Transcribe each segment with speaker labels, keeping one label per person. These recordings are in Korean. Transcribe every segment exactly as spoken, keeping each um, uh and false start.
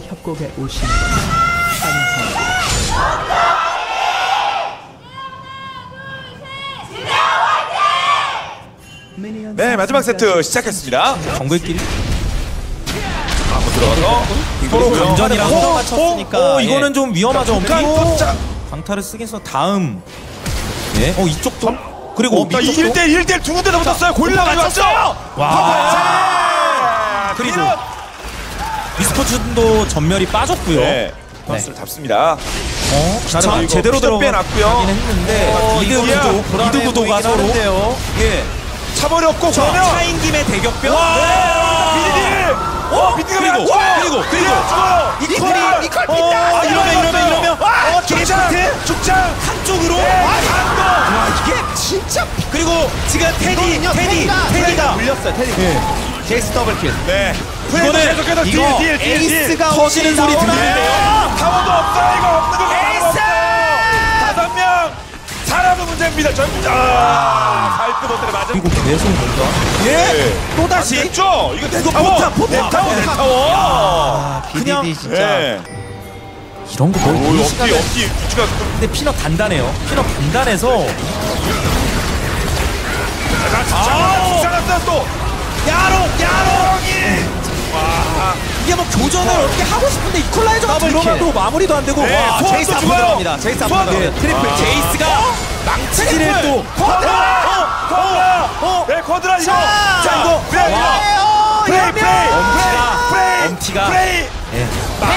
Speaker 1: 협곡에 오신 것을 환영합니다.
Speaker 2: 네, 마지막 세트 시작했습니다.
Speaker 3: 정글끼리
Speaker 2: 한번 들어가서
Speaker 3: 서로 감전이랑
Speaker 2: 어,
Speaker 3: 호흡 맞췄으니까 어, 이거는
Speaker 2: 예.
Speaker 3: 좀 위험하죠. 엄지.
Speaker 2: 자,
Speaker 3: 강타를 쓰겠어. 다음 예, 어 이쪽도 그리고
Speaker 2: 어,
Speaker 3: 밑쪽도
Speaker 2: 일 대 일 대 일 두 군데 다 붙었어요. 골라 맞췄어요.
Speaker 3: 와.
Speaker 2: 그리고
Speaker 3: 그리고 미스포츠도 전멸이 빠졌고요.
Speaker 2: 네, 선수를 잡습니다.
Speaker 3: 어, 자,
Speaker 2: 그리고
Speaker 3: 제대로
Speaker 2: 피도
Speaker 3: 들어가긴
Speaker 2: 빼놨고요.
Speaker 3: 했는데
Speaker 2: 어,
Speaker 3: 미드
Speaker 2: 이거야.
Speaker 3: 구도, 미드 구도가 서로 예,
Speaker 2: 차버렸고
Speaker 3: 자,
Speaker 2: 그러면
Speaker 3: 차인 김에 대격변.
Speaker 2: 비디디. 어, 비디디가 왜 안
Speaker 3: 그리고,
Speaker 2: 죽어요?
Speaker 3: 그리고,
Speaker 2: 비디디가
Speaker 3: 그리고.
Speaker 2: 안 죽어요.
Speaker 3: 이퀄이 이퀄 핀다.
Speaker 2: 아,
Speaker 3: 이러면 이러면 이러면
Speaker 2: 아, 죽장,
Speaker 3: 게이트
Speaker 2: 죽장.
Speaker 3: 한쪽으로.
Speaker 2: 한도.
Speaker 3: 와, 이게 진짜. 그리고 지금 테디, 테디, 테디가
Speaker 4: 물렸어요. 테디. 제이스 더블킬.
Speaker 2: 네.
Speaker 3: 이거는
Speaker 2: 계속해서 딜,
Speaker 3: 이거
Speaker 2: 딜, 딜, 딜.
Speaker 3: 에이스가 터지는 소리 들리는데요.
Speaker 2: 타워도 없어요. 이거 없는 거
Speaker 3: 에이스!
Speaker 2: 다섯 명. 살아도 문제입니다. 전부 아, 발끝 못해 맞은.
Speaker 3: 그리고 계속 뭔가
Speaker 2: 예.
Speaker 3: 또 다시
Speaker 2: 됐죠? 이거 내
Speaker 3: 이거
Speaker 2: 타워.
Speaker 3: 포탑, 포탑.
Speaker 2: 내 타워, 내 타워.
Speaker 4: 아,
Speaker 3: 그냥-
Speaker 4: 비디디 진짜.
Speaker 2: 예.
Speaker 3: 이런 거 거의
Speaker 2: 오,
Speaker 3: 이
Speaker 2: 없기,
Speaker 3: 시간에.
Speaker 2: 없기. 위치가 좀.
Speaker 3: 근데 피넛 단단해요. 피넛 단단해서
Speaker 2: 아, 살았어 또.
Speaker 3: 야롱 야롱이
Speaker 2: 와.
Speaker 3: 이게 뭐 교전을 어떻게 하고 싶은데 이퀄라이저가
Speaker 4: 더블
Speaker 3: 들어가도 마무리도 안 되고
Speaker 2: 네,
Speaker 3: 와
Speaker 2: 소원도
Speaker 3: 제이스 앞으로
Speaker 2: 죽어요.
Speaker 3: 들어갑니다. 제이스 앞으로
Speaker 2: 소원도.
Speaker 3: 들어갑니다. 트리플
Speaker 2: 아.
Speaker 3: 제이스가 망치질을 또
Speaker 2: 쿼드라! 쿼드라!
Speaker 3: 어?
Speaker 2: 네, 쿼드라 이거!
Speaker 3: 자,
Speaker 2: 자,
Speaker 3: 이거.
Speaker 2: 프레이!
Speaker 3: 와.
Speaker 2: 프레이! 프레이!
Speaker 3: 엄티가
Speaker 2: 프레이!
Speaker 3: 엄티가
Speaker 2: 프레이!
Speaker 3: 예.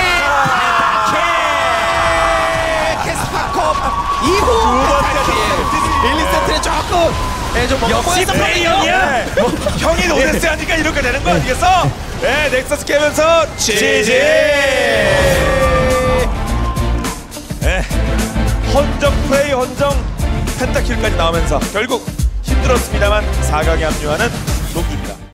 Speaker 4: 캐스파컵 이 호. 일, 이 세트는 조금 예, 좀 뭔가
Speaker 3: 역시
Speaker 4: 꼬였어.
Speaker 3: 프레이형이야.
Speaker 2: 네. 형이 오데스 하니까 이렇게 되는 거 아니겠어? 네, 넥서스 깨면서 지지! 네, 헌정 프레이, 헌정 펜타킬까지 나오면서 결국 힘들었습니다만 사 강에 합류하는 농주입니다.